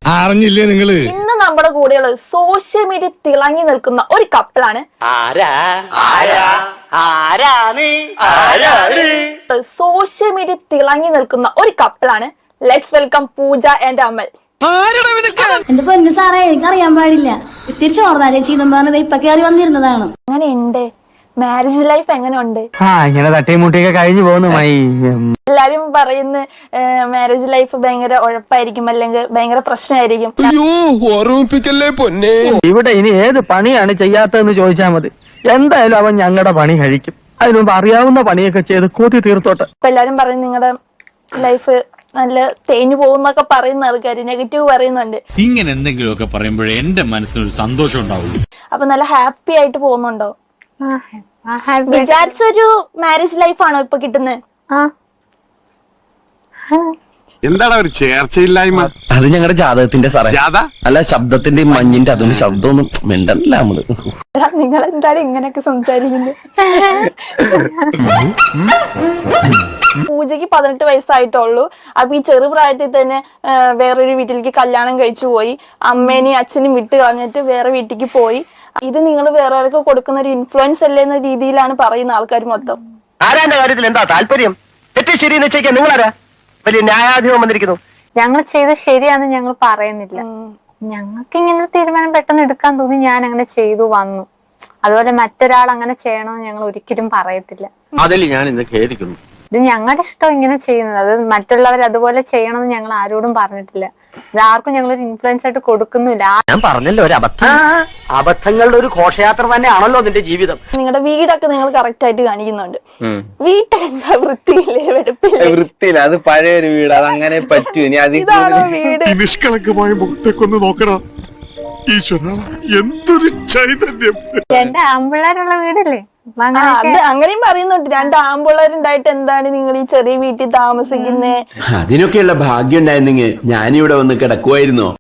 അറിഞ്ഞില്ലേ നിങ്ങള്? ഇന്ന് നമ്മുടെ കൂടെയുള്ള സോഷ്യൽ മീഡിയ തിളങ്ങി നിൽക്കുന്ന ഒരു കപ്പിളാണ്. സോഷ്യൽ മീഡിയ തിളങ്ങി നിൽക്കുന്ന ഒരു കപ്പിളാണ്. Let's welcome Pooja and Amal. എന്റെ പൊന്നു സാറേ, എനിക്കറിയാൻ പാടില്ല. തിരിച്ചു ഓർന്നാലേ ചീതം പറഞ്ഞത് ഇപ്പൊ കയറി വന്നിരുന്നതാണ്. അങ്ങനെ ഉണ്ട്. മാരേജ് ലൈഫ് എങ്ങനെ ഉണ്ട്? ഇങ്ങനെ തട്ടിയും മുട്ടിയൊക്കെ കഴിഞ്ഞു പോകുന്നു. എല്ലാരും പറയുന്ന മാരേജ് ലൈഫ് ഭയങ്കര ഉഴപ്പായിരിക്കും, അല്ലെങ്കിൽ ഭയങ്കര പ്രശ്നമായിരിക്കും. ഇവിടെ ഇനി ഏത് പണിയാണ് ചെയ്യാത്തതെന്ന് ചോദിച്ചാൽ മതി. എന്തായാലും അവൻ ഞങ്ങളുടെ പണി കഴിക്കും. അതിനു മുമ്പ് അറിയാവുന്ന പണിയൊക്കെ ചെയ്ത് കൂട്ടി തീർത്തോട്ടെ. ഇപ്പൊ എല്ലാരും പറയും നിങ്ങളുടെ ലൈഫ് നല്ല തേഞ്ഞു പോകുന്നൊക്കെ പറയുന്ന ആൾക്കാര് നെഗറ്റീവ് പറയുന്നുണ്ട്. ഇങ്ങനെ എന്തെങ്കിലുമൊക്കെ പറയുമ്പോഴേ എന്റെ മനസ്സിനൊരു സന്തോഷം ഉണ്ടാവുള്ളൂ. അപ്പൊ നല്ല ഹാപ്പി ആയിട്ട് പോകുന്നുണ്ടോ? വിചാരിച്ചൊരു മാരേജ് ലൈഫാണോ ഇപ്പൊ കിട്ടുന്നത്? എന്താണ് ഒരു ചേർച്ചയില്ലായ്മ? അത് ഞങ്ങളുടെ ജാതകത്തിന്റെ സാറേ, അല്ല ശബ്ദത്തിന്റെ മഞ്ഞിന്റെ അതുകൊണ്ട് ശബ്ദമൊന്നും മിണ്ടല്ല നമ്മള്. നിങ്ങൾ എന്താണ് ഇങ്ങനെയൊക്കെ സംസാരിക്കുന്നത്? പൂജയ്ക്ക് 18 വയസ്സായിട്ടുള്ളൂ. അപ്പൊ ഈ ചെറുപ്രായത്തിൽ തന്നെ വേറൊരു വീട്ടിലേക്ക് കല്യാണം കഴിച്ചു പോയി. അമ്മേനെയും അച്ഛനും വിട്ട് കളഞ്ഞിട്ട് വേറെ വീട്ടിലേക്ക് പോയി. ഇത് നിങ്ങൾ വേറെ ആൾക്ക് കൊടുക്കുന്ന ഒരു ഇൻഫ്ലുവൻസ് അല്ലേ എന്ന രീതിയിലാണ് പറയുന്ന ആൾക്കാർ മൊത്തം. ആരാന്റെ കാര്യത്തിൽ എന്താ താല്പര്യം? തെറ്റ് ശരി നിശ്ചയിക്കാൻ നിങ്ങളാരാ? വലിയ ന്യായാധിപം വന്നിരിക്കുന്നു. ഞങ്ങൾ ചെയ്ത് ശരിയാന്ന് ഞങ്ങൾ പറയുന്നില്ല. ഞങ്ങൾക്ക് ഇങ്ങനെ ഒരു തീരുമാനം പെട്ടെന്ന് എടുക്കാൻ തോന്നി, ഞാൻ അങ്ങനെ ചെയ്തു വന്നു. അതുപോലെ മറ്റൊരാൾ അങ്ങനെ ചെയ്യണമെന്ന് ഞങ്ങൾ ഒരിക്കലും പറയത്തില്ല. അതിൽ ഞാൻ ഇന്ന് ഖേദിക്കുന്നു. ഇത് ഞങ്ങളുടെ ഇഷ്ടം ഇങ്ങനെ ചെയ്യുന്നത്. അത് മറ്റുള്ളവർ അതുപോലെ ചെയ്യണമെന്ന് ഞങ്ങൾ ആരോടും പറഞ്ഞിട്ടില്ല. ഇത് ആർക്കും ഞങ്ങളൊരു ഇൻഫ്ലുവൻസ് ആയിട്ട് കൊടുക്കുന്നില്ല. ഞാൻ പറഞ്ഞല്ലോ, ഒരു അബദ്ധം. അബദ്ധങ്ങളുടെ ഒരു ഘോഷയാത്ര തന്നെയാണല്ലോ നിന്റെ ജീവിതം. നിങ്ങളുടെ വീടൊക്കെ നിങ്ങൾ കറക്റ്റ് ആയിട്ട് കാണിക്കുന്നുണ്ട്. വീട്ടിലെന്താ വൃത്തിയില്ലേ, വെടുപ്പില്ലേ? വൃത്തിയില്ല, അത് പഴയൊരു വീട്, അതങ്ങനെ പറ്റൂ. ഇനി ഇതാണോ വീട്? നിഷ്കളങ്കമായ മുഖത്തേക്കൊന്ന് നോക്കടാ. ഈശ്വര, എന്തൊരു ചൈതന്യം! രണ്ട് ആമ്പിള്ളേരുള്ള വീടല്ലേ? അങ്ങനെയും പറയുന്നുണ്ട്. 2 ആമ്പിള്ളേരുണ്ടായിട്ട് എന്താണ് നിങ്ങൾ ഈ ചെറിയ വീട്ടിൽ താമസിക്കുന്നേ? അതിനൊക്കെയുള്ള ഭാഗ്യം ഉണ്ടായിരുന്നെങ്കിൽ ഞാനിവിടെ വന്ന് കിടക്കുമായിരുന്നോ?